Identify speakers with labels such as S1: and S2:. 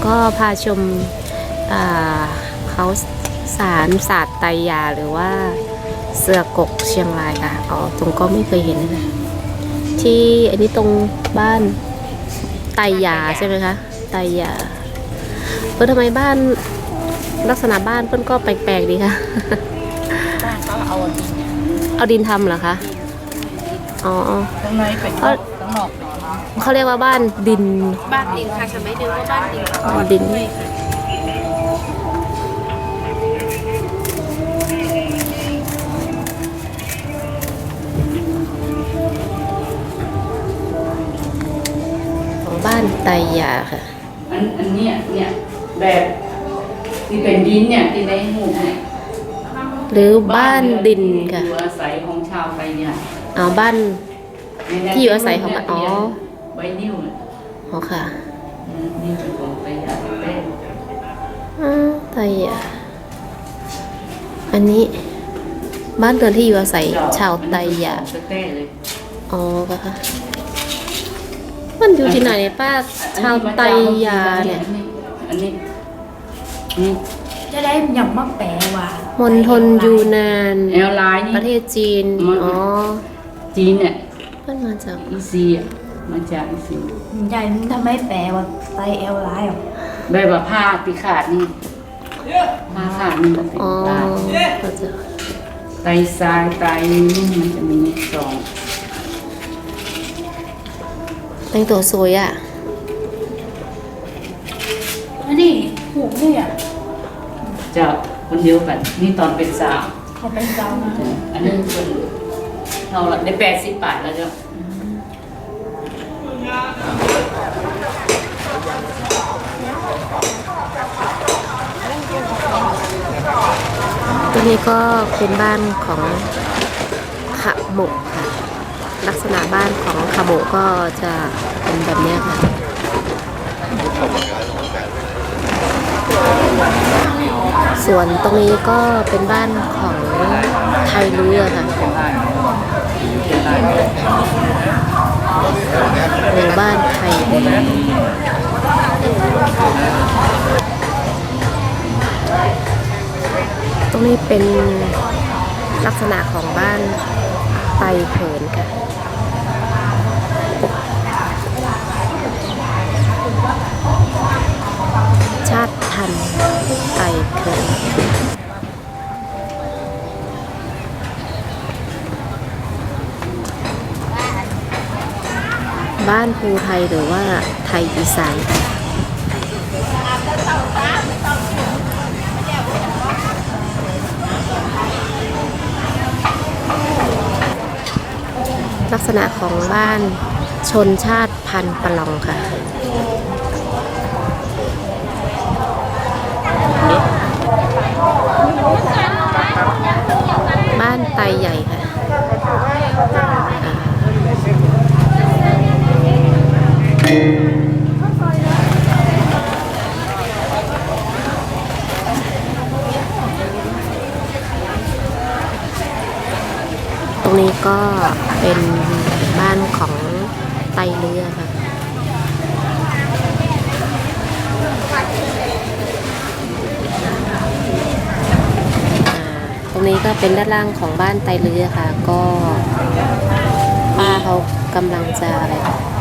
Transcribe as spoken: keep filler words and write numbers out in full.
S1: ก็พาชมเขาสารศาสตร์ไตรยาหรือว่าเสือกกเชียงรายค่ะอ๋อตรงก็ไม่เคยเห็นนะที่อันนี้ตรงบ้านไตรยาใช่ไหมคะไตรยาเออทำไมบ้านลักษณะบ้านเพิ่นก็แปลกๆดีค่ะ
S2: บ้านเขาเอาดิน
S1: เอาดินทำเหรอคะอ๋อ
S2: ข้างในเป็นข้างนอก
S1: เขาเรียกว่าบ้านดิน
S2: บ้านดินค่ะฉันไม่รู้ว่าบ้านดิน
S1: อ๋อดินของบ้านไตรยาค่ะ
S2: อันอันเนี้ยเนี่ยแบบที่เป็นดินเนี่ยที่ในหูเนี่ย
S1: หรือบ้านดินค่ะ
S2: อยู่อาศัยของชาวไตรยา
S1: อ๋อบ้านที่อยู่อาศัยของอ๋อ
S2: ใบนิ้ว
S1: อ๋อค่ะ
S2: นี่เป็นของไตรยาเต้
S1: อ๋อไตรยาอันนี้บ้านเรือนที่อยู่อาศัยชาวไตรยาอ๋อค่ะมันอยู่ที่ไหนป้าชาวไตรยาเนี่ย
S2: อันนี้นี่
S3: จะได้หยั่งมะแปลว่ะ
S1: มณฑลยูนาน
S2: แอลไลน์นี่
S1: ประเทศจีนอ๋อ
S2: จีนเนี่ย
S1: เพิ่นมาจาก
S2: อีซีมาจากอีซี
S3: ใหญ่ทำไมแปลว่าไตแอลไลน์หรอ
S2: แบบว่าผ้าปีขาดนี่ผ้าขาดนี่มันเป็นลายไตทรายไตนี่มันจะมีสอง
S1: แต่งตัวสวยอ่ะ
S3: อันนี้หูนี่อ่ะ
S2: จะคนเดียวกันนี่ตอนเป็นสาว
S3: เขาเป็นสาวนะ
S2: อันนี้เป็นเราละได้แปดสิบบาทแล้วเจ้า
S1: ตัวนี้ก็เป็นบ้านของขะโมกค่ะลักษณะบ้านของขะโมกก็จะเป็นแบบนี้ค่ะส่วนตรงนี้ก็เป็นบ้านของไทยเรือค่ะหรือบ้านไทยตรงนี้เป็นลักษณะของบ้านไตเขินค่ะชาติพันธุ์ไตเขินบ้านภูไทยหรือว่าไทยอีสานลักษณะของบ้านชนชาติพันธุ์ปะลองค่ะบ้านไตใหญ่ค่ะตรงนี้ก็เป็นบ้านของไตเรือค่ะตรงนี้ก็เป็นด้านล่างของบ้านไตเรือค่ะก็ป้าเขากำลังจะอะไร